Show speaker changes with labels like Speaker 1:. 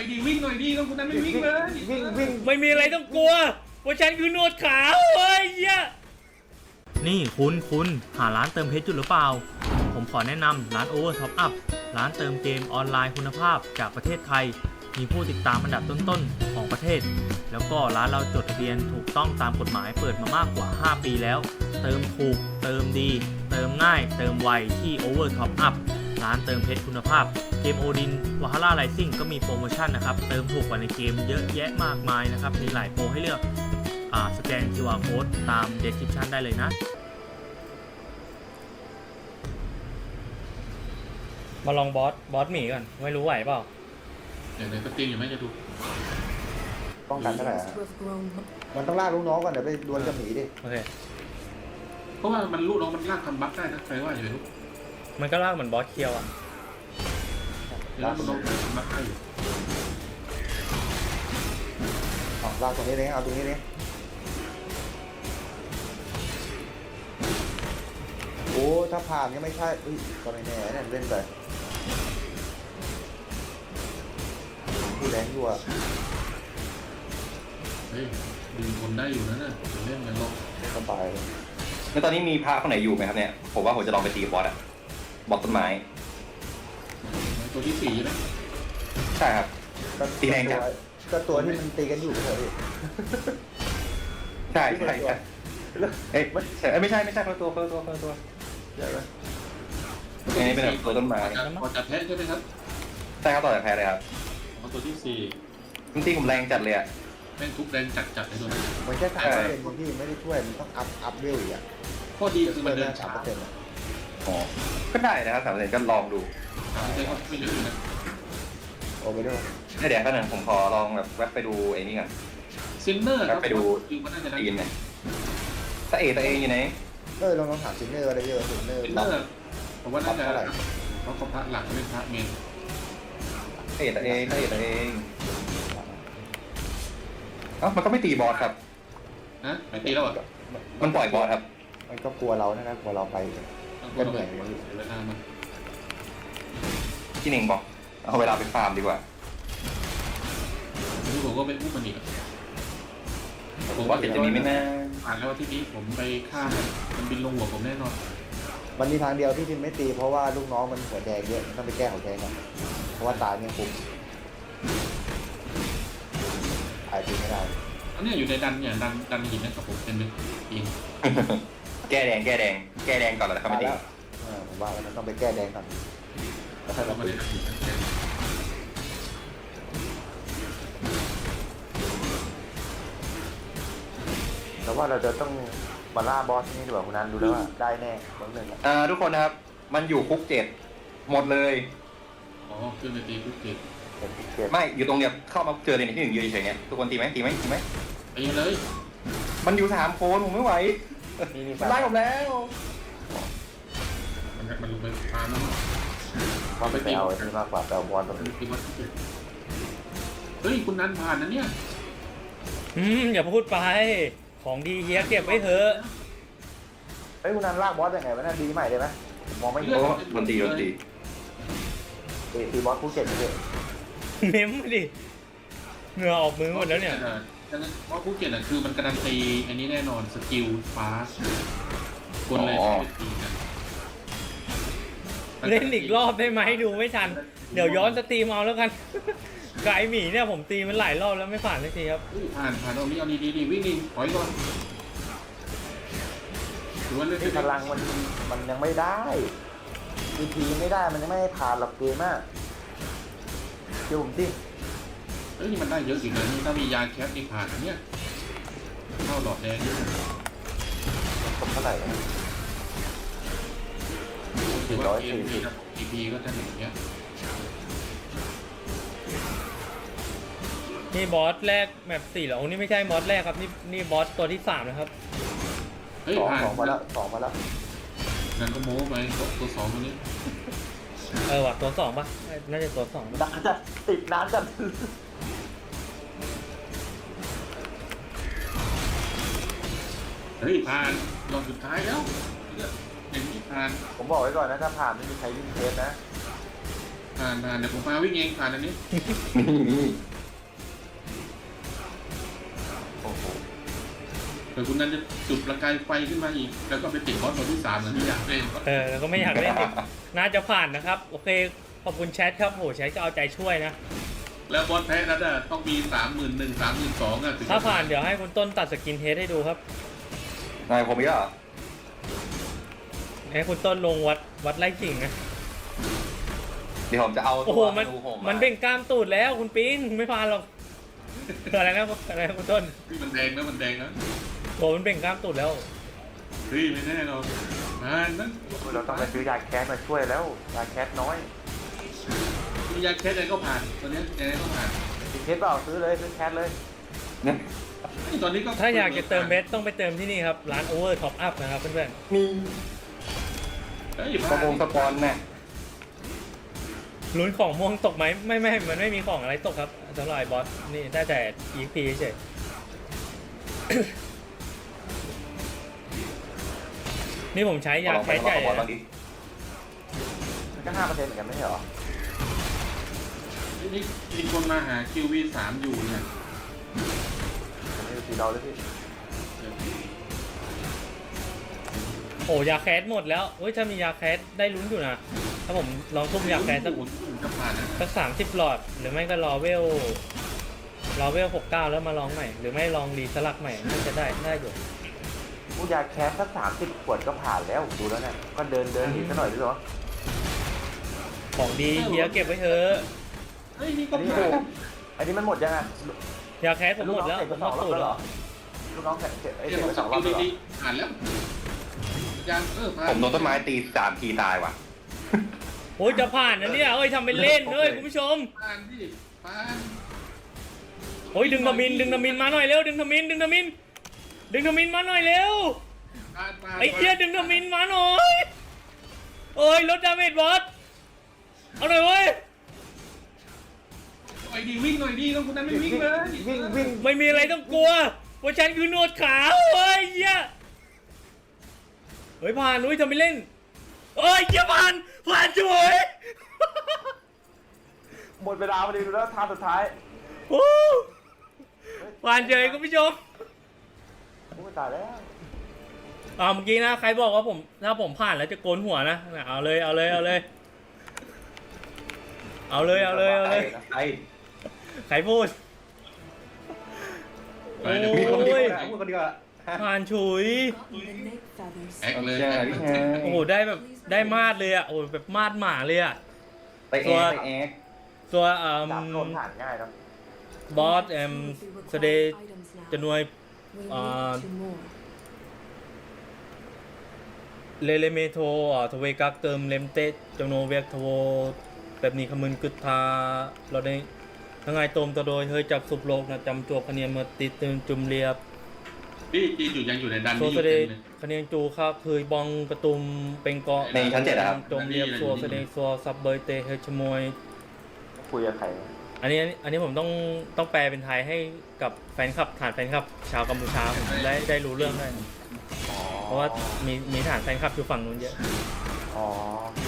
Speaker 1: อยดีวิ่งหน่อยดีต้องคุณนั้นไม่วิ่งเลย
Speaker 2: วิ่ง
Speaker 3: ไม่มีอะไรต้องกลัวเพราะฉันคือหนวดขาวเฮ้ยเหี้ยนี่คุณหาร้านเติมเพชรจุดหรือเปล่าผมขอแนะนำร้าน Over Top Up ร้านเติมเกมออนไลน์คุณภาพจากประเทศไทยมีผู้ติดตามอันดับต้นๆของประเทศแล้วก็ร้านเราจดทะเบียนถูกต้องตามกฎหมายเปิดมามากกว่า5ปีแล้วเติมถูกเติมดีเติมง่ายเติมไวที่ Over Top Up ร้านเติมเพชรคุณภาพเกมโอดินวาฮาร่าไรซิ่งก็มีโปรโมชั่นนะครับเติมถูกกว่าในเกมเยอะแยะมากมายนะครับมีหลายโปรให้เลือกสแกน QR Code ตาม description ได้เลยนะมาลองบอสหมีก่อนไม่รู้ไหวเปล่า
Speaker 1: อย่างไรก็ตีอยู่ไหมจะดู
Speaker 2: ป้องกันเท่าไหร่มันต้องล่าลูกน้องก่อนเดี๋ยวไปดวลกับหมีดิ
Speaker 3: โอเค
Speaker 1: เพราะว่ามันลูกน้องมันลากทำบัฟได้นะใครว่าอย่างไรลูก
Speaker 3: มันก็ลากเหมือนบอสเคียวอ่ะ
Speaker 1: ลากลูกน้องทำบัฟได้อยู่
Speaker 2: ลากตรงนี้เลยเอาตรงนี้เลยโอ้ถ้าผ่านยังไม่ใช่ก็ไม่แน่เนี่ยเล่นไปผู้แรงอยู่อ่ะ
Speaker 1: เฮ้ยดึงคนได้อยู่นะเนี่ยเล่นกันลง
Speaker 2: สบาย
Speaker 4: แล้วตอนนี้มีพระคนไหนอยู่ไหมครับเนี่ยผมว่าผมจะลองไปตีบอสอะบอสต้นไม้
Speaker 1: ตัวที่4ใช่ไหม
Speaker 4: ใช่ครับตีแรงจัง
Speaker 2: ก็ตัวที่มันตีกันอยู่เถอะพี่
Speaker 4: ใช่เอ้ยไม่ใช่คนละตัว
Speaker 2: ใช่ไหม
Speaker 4: นี่เป็นแบบตัวต้นไม้
Speaker 1: ต่อจากแพ้ใช่ไหมครับ
Speaker 4: ใช่ครับต่อจากแพ้เลยครับ
Speaker 1: ตัวที่4
Speaker 4: มันตีผมแรงจัดเลยอะ
Speaker 1: แม่งทุบแรงจัดเลยตัวนั้น
Speaker 2: มันแค่3%ที่ไม่ได้ช่วยมันต้องอัพเวลอีกอ่ะ
Speaker 1: ข้อดีคือมันเดินช้า
Speaker 4: อ๋อก็ได้นะครับ3%ก็ลองดู
Speaker 1: 3%ก็ไม่เยอะนะ
Speaker 2: โอ้ไปด้วย
Speaker 4: เดี๋ยวขณะผมขอลองแบบแวะไปดูไอ้นี่ก่อน
Speaker 1: ซินเนอร์
Speaker 4: ไปดูตีนเนี่ยตะเออยู่ไหน
Speaker 2: ลองถามซินเนอร์อะไรเยอะซินเนอร์
Speaker 1: ผมว่าน่าจะเพราะเขาพระหลักเป็นพระเมน
Speaker 4: ตะเอมันก็ไม่ตีบอสครับ
Speaker 1: นะไม่ตีแล้วอ่ะ
Speaker 4: มันปล่อยบอสครับ
Speaker 2: มันก็กลัวเรานะครับกลัวเราไปก็เหนื่อย
Speaker 4: ที่หนึ่งบอกเอาเวลาไปฟาร์มดีกว่า
Speaker 1: ที่ผมก็ไปอุ้มมันอีก
Speaker 4: ผมว่าเดี๋ยวจะมีไม่แน่
Speaker 1: ผ่านแล้วที่นี้ผมไปฆ่ามันบินลงหัวผมแน่นอน
Speaker 2: มันมีทางเดียวที่ทีมไม่ตีเพราะว่าลูกน้องมันหัวแดงเยอะต้องไปแก้หัวแดงก่อนเพราะว่าตาเนี่ยคุมหายตีไม่ได้
Speaker 1: อันนี้อยู่ในดันหินนะครับผมเป็นหิน
Speaker 4: แก้แดงก่อนแล้วครับไม่ตี
Speaker 2: ผมว่ามันต้องไปแก้แดงก่อนแล้วค่อยมาตีแต่ว่าเราจะต้องมาล่าบอสนี่ดีกว่าคุณนันดูแล้วว่าได้แน่บางเรื่อง
Speaker 4: ทุกคนนะครับมันอยู่คุก7หมดเลย
Speaker 1: ขึ้นไปตีคุก
Speaker 4: 7ไม่อยู่ตรงเนี้ยเข้ามาเจอเลยที่1ยืนเฉยๆเงี้ยทุกคนตีไหมตี
Speaker 1: เลย
Speaker 4: มันอยู่3คนผมไม่ไหวไล่ผมแล้ว
Speaker 1: มันลงไปพาน้อง
Speaker 2: ว่าไปเอาที่มากกว่าแต่บอลตรงนี้
Speaker 1: เฮ้ยคุณนันผ่านนะเนี่ย
Speaker 3: อย่าพูดไปของดีเฮียเก็บไว้เถอะ
Speaker 2: เฮ้ยคุณนันลากบอสยังไงวะน่าดีใหม่เลยไหมมองไม่เห็น
Speaker 4: ดนตรี
Speaker 2: ตีบอสคู่เก่งเลย
Speaker 3: เม้มดิเหงื่อออกมือหมดแล้วเนี่ย
Speaker 1: เพราะคู่เก่งคือมันการันตีอันนี้แน่นอนสกิลฟ้าคนเลยตีกัน
Speaker 3: เล่นอีกรอบได้ไหมดูไม่ทันเดี๋ยวย้อนสตรีมเอาแล้วกันไก่หมีเนี่ยผมตีมันหลายรอบแล้วไม่ผ่านสักทีครับ
Speaker 1: ผ่านเอาดีวิ่งดิถอยก่อนถือว่าเล่น
Speaker 2: พลังมันยังไม่ได้ทีไม่ได้มันยังไม่ให้ผ่านหลักเกมอ่ะเดี๋ยวผมดิ
Speaker 1: นี่มันได้เยอะอยู่นะนี่ถ้ามียาแคปนี่ผ่านเนี่ยเข้าหลอดแดง
Speaker 2: เท่าไหร่
Speaker 1: ถือว่าเกมนี้นะEPก็จะอย่างเงี้ย
Speaker 3: นี่บอสแรกแมป4เหรอนี่ไม่ใช่บอสแรกครับนี่บอสตัวที่3นะครับ
Speaker 2: สองมาแล้ว
Speaker 1: นั่นก็โม้ไปตัว2ตัวนี้
Speaker 3: ว่ะตัว2ป่ะน่าจะตัว2
Speaker 2: นานจัดติดนานจัด
Speaker 1: เฮ้ยผ่านรอบสุดท้ายแล้วอย่างนี้ผ่าน
Speaker 2: ผมบอกไว้ก่อนนะถ้าผ่านไม่มีใครวิ่งเทสนะ
Speaker 1: ผผ่านเดี๋ยวผมพาวิ่งเองผ่านอันนี้
Speaker 4: นี่
Speaker 2: โอ้โห
Speaker 1: เดี๋ยวคุณนั้นจะจุดประกายไฟขึ้นมาอีกแล้วก็ไปติดบอสตัวที่3เหมือนที่อยากเล่น
Speaker 3: แล้วก็ไม่อยากเล่นอีกน่าจะผ่านนะครับ โอเค ขอบคุณแชทครับโหแชทก็เอาใจช่วยนะ
Speaker 1: แล้วบอสแพ้นั้นน่ะต้องมี31,000 32,000อ่ะถึงจะ
Speaker 3: ถ้าผ่านเดี๋ยวให้คุณต้นตัดสกินเฮดให้ดูครับ
Speaker 4: นายผมอีกแล้วเหรอ
Speaker 3: ให้คุณต้นลงวัดไล่กิ่งนะ
Speaker 4: เดี๋ยวผมจะเอา
Speaker 3: โอ้โห
Speaker 4: ตัว
Speaker 3: มัน
Speaker 4: ดูผม
Speaker 3: มันเบ่งกล้ามตูดแล้วคุณปีนไม่ผ่านหรอกอะไรนะคุณต้น
Speaker 1: มันแดงนะมันแดงนะ
Speaker 3: โอ้มันเบ่งกล้ามตูดแล้ว
Speaker 1: เฮ้ยไม่แน่เรานั่น
Speaker 2: เราต้องไปซื้อยาแคสมาช่วยแล้วยาแคสน้อย
Speaker 1: มียาแคสอะไรก็ผ่านตัวเนี้ยยังไงก็ผ่าน
Speaker 2: มีเคสเปล่าซื้อเลยซื้อแคสเลย
Speaker 4: เนี่ย
Speaker 1: ตอนนี้ก็
Speaker 3: ถ้าอยากจะเติมเบสต้องไปเติมที่นี่ครับร้าน Over Top Up นะครับเพื่อน
Speaker 4: มี
Speaker 1: เฮ้ย
Speaker 4: สปงสปอนเนี่ย
Speaker 3: ๆลุ้นของม่วงตกไหมไม่มันไม่มีของอะไรตกครับสำหรับไอ้บอสนี่ได้แต่ EXP เฉยนี่ผมใช้ยาแคสใหญ่
Speaker 4: ลอง
Speaker 3: นะ
Speaker 4: ไป
Speaker 2: มันก็5%เหมือนกันไม่ใช่เหรอ
Speaker 1: นี่มีคนมาหา QV3 อยู่เนี่ย
Speaker 2: ผมไม่ดูสีเราเลยพี่
Speaker 3: โอ้ยาแคสหมดแล้วเฮ้ยถ้ามียาแคสได้ลุ้นอยู่นะถ้าผมลองทุ่มยาแคสสัก
Speaker 1: จะผ่านนะ
Speaker 3: 30หลอดหรือไม่ก็รอเวล69แล้วมาลองใหม่หรือไม่ลองรีสลักใหม่น่าจะได้อยู่
Speaker 2: ผู้ยาแคสสัก30 ขวดก็ผ่านแล้วดูแล้วเนี่ยก็เดินหนีซะหน่อยดีกว่า
Speaker 3: ของดีเฮียเก็บไว้เถอะ
Speaker 1: เฮ้ยนี่ก็
Speaker 2: อันนี้
Speaker 1: ผ่าน
Speaker 2: อันนี้มันหมดยังไง
Speaker 3: ยาแคสผมหมดแล้วผมหมดสูตรแล้ว
Speaker 2: ลูกน้องเสร็จไอ้
Speaker 1: เดี๋
Speaker 2: เส
Speaker 1: ย
Speaker 2: ร็
Speaker 1: ว
Speaker 2: จ
Speaker 1: ผ
Speaker 2: ไป
Speaker 1: ม
Speaker 2: 2 รอบแล้วเหรอ
Speaker 1: ดีผ่านแล้วยังผ่าน
Speaker 4: ผมโดนต้นไม้ตี3 ทีตายว่ะ
Speaker 3: โอ้ยจะผ่านนะเนี่ยเอ้ยทำเป็นเล่นเอ้ยคุณผู้ชม
Speaker 1: ผ่านที่ผ่าน
Speaker 3: โอ้ยดึงทมินมาหน่อยเร็วดึงทมินมาหน่อยเร็ว
Speaker 1: ผ่าน
Speaker 3: ไอ้เหี้ยดึงทมินมาหน่อยโอ้ยลดดาเมจบอสเอาหน่อยเว้ย
Speaker 1: ไอ้ดีวิ่งหน่อยดีต้องคุณนั้นไม่วิ่งเลย
Speaker 2: วิ่ง
Speaker 3: ไม่มีอะไรต้องกลัวว่าฉันคือหนวดขาวเฮ้ยเหี้ยเฮ้ยผ่านนุ้ยทำไปเล่นเอ้ยเหี้ยผ่านช่วย
Speaker 2: หมดเวลาพอดีดูแล้วทางสุดท้าย
Speaker 3: โอ้ผ่านเฉยคุณผู้ชม
Speaker 2: โอ้ยตายแล้ว
Speaker 3: เมื่อกี้นะใครบอกว่าผมถ้าผมผ่านแล้วจะโกนหัวนะเอาเลย
Speaker 4: ไอ้
Speaker 3: ใครพูด
Speaker 1: ไปเดี๋ยว
Speaker 4: มีคนเดียว
Speaker 3: โอ้ย
Speaker 4: นะพูดคนเดียวอะ
Speaker 3: ผ่านฉุย
Speaker 1: แอคเลย
Speaker 4: ใช่พี่ชาย
Speaker 3: โอ้โหได้แบบได้มาดเลยอ่ะโอ้โหแบบมาดหมาเลยอ่ะ
Speaker 4: ไปแอกไปแอก
Speaker 3: ตัว
Speaker 2: จับโดนผ่านง่ายครับ
Speaker 3: บอสสเดย์จะหน่วยเลเมโททเวกักเติมเลมเตจำนวนเวกทโวแบบนี้ขมึนกึดทาเราได้ทั้งไงโตมตัวโดยเฮ้ยจับสุบโลกนะจำจวบคะแนนมาติดตึงจุ่มเรียบ
Speaker 1: พี่จีนอยู่ยังอยู่ในดัน
Speaker 3: โซ
Speaker 1: นี่อ
Speaker 3: เส
Speaker 1: ยู่
Speaker 3: ด
Speaker 1: เต็
Speaker 3: ง
Speaker 1: มเลย
Speaker 3: คะแนนจูค่าเคยบองกระตุมเป็นเกาะ
Speaker 4: ในชั้น7อะครับ
Speaker 3: จมเรียบซัวแสดงซัวซับเบยเตเฮชมวย
Speaker 2: คุยกับใคร
Speaker 3: อันนี้ผมต้องแปลเป็นไทยให้กับแฟนคลับฐานแฟนคลับชาวกัมพูชาผมได้รู้เรื่องได้เพราะว่ามีฐานแฟนคลับอยู่ฝั่งนู้นเยอะ
Speaker 2: อ๋อ